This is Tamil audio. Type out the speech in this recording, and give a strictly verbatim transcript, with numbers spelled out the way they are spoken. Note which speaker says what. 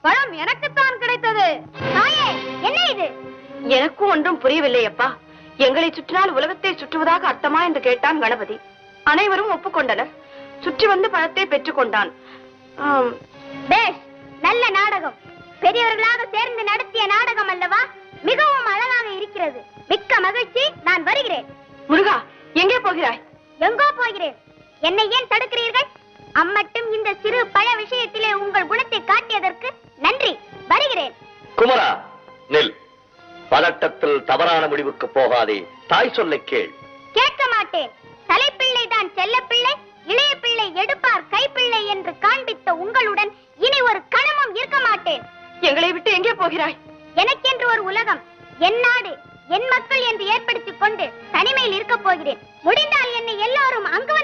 Speaker 1: பழம் எனக்குத்தான் கிடைத்தது. தாயே, என்ன இது? எனக்கும் ஒன்றும் புரியவில்லை அப்பா. எங்களை சுற்றினால் உலகத்தை சுற்றுவதாக அர்த்தமா என்று கேட்டான் கணபதி. அனைவரும் ஒப்புக்கொண்டனர். சுற்றி வந்து பழத்தை பெற்றுக் கொண்டான். நல்ல நாடகம். பெரியவர்களாக சேர்ந்து நடத்திய நாடகம் அல்லவா? மிகவும் அழகாக இருக்கிறது. மிக்க மகிழ்ச்சி. நான் வருகிறேன். முருகா, எங்கே போகிறாய்? எங்கோ போகிறேன். என்னை ஏன் தடுக்கிறீர்கள்? அம்மட்டும் இந்த சிறு பழ விஷயத்திலே உங்கள் குணத்தை காட்டியதற்கு நன்றி. வருகிறேன்.
Speaker 2: குமரா, நெல். பதட்டத்தில் தவறான முடிவுக்கு போகாதே. தாய் சொல்லை கேள்.
Speaker 1: கேட்க மாட்டேன். தலைப்பிள்ளை தான் செல்ல பிள்ளை, இளைய பிள்ளை எடுப்பார் கைப்பிள்ளை என்று காண்பித்த உங்களுடன் இனி ஒரு கணமும் இருக்க மாட்டேன். எங்களை விட்டு எங்கே போகிறாய்? எனக்கென்று ஒரு உலகம், என் நாடு, என் மக்கள் என்று ஏற்படுத்திக் கொண்டு தனிமையில் இருக்க போகிறேன். முடிந்த